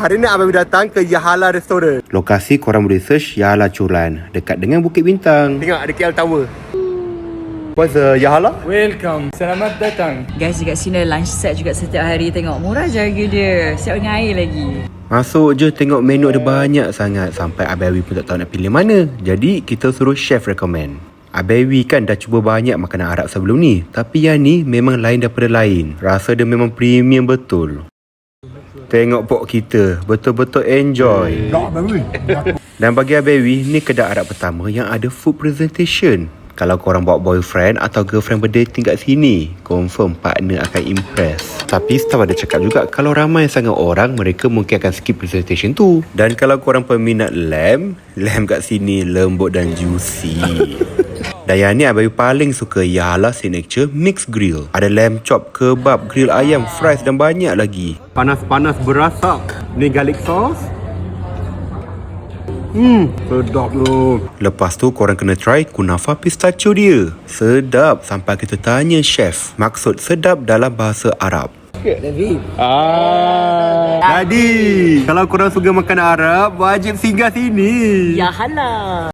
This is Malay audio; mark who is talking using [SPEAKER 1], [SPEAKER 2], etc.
[SPEAKER 1] Hari ni Abawi datang ke Yahala Restaurant. Lokasi korang boleh search Yahala Curan, dekat dengan Bukit Bintang. Tengok ada KL Tower. What's the Yahala?
[SPEAKER 2] Welcome, selamat datang.
[SPEAKER 3] Guys, dekat sini lunch set juga setiap hari. Tengok murah je harga dia. Siap dengan air lagi.
[SPEAKER 1] Masuk je tengok menu ada banyak sangat sampai Abawi pun tak tahu nak pilih mana. Jadi kita suruh chef recommend. Abawi kan dah cuba banyak makanan Arab sebelum ni, tapi yang ni memang lain daripada lain. Rasa dia memang premium betul. Tengok pok kita, betul-betul enjoy. Dan bagi Abawi, ni kedai Arab pertama yang ada food presentation. Kalau korang bawa boyfriend atau girlfriend berdating kat sini, confirm partner akan impress. Tapi staff ada cakap juga, kalau ramai sangat orang, mereka mungkin akan skip presentation tu. Dan kalau korang peminat lamb kat sini lembut dan juicy. Dan yang ni Abawi paling suka Yahala Signature Mixed Grill. Ada lamb chop, kebab, grill ayam, fries dan banyak lagi. Panas-panas berasap. Ni garlic sauce. Sedap tu. Lepas tu korang kena try kunafa pistachio dia. Sedap sampai kita tanya chef maksud sedap dalam bahasa Arab.
[SPEAKER 2] David.
[SPEAKER 1] Jadi, kalau korang suka makan Arab, wajib singgah sini.
[SPEAKER 3] Yahala.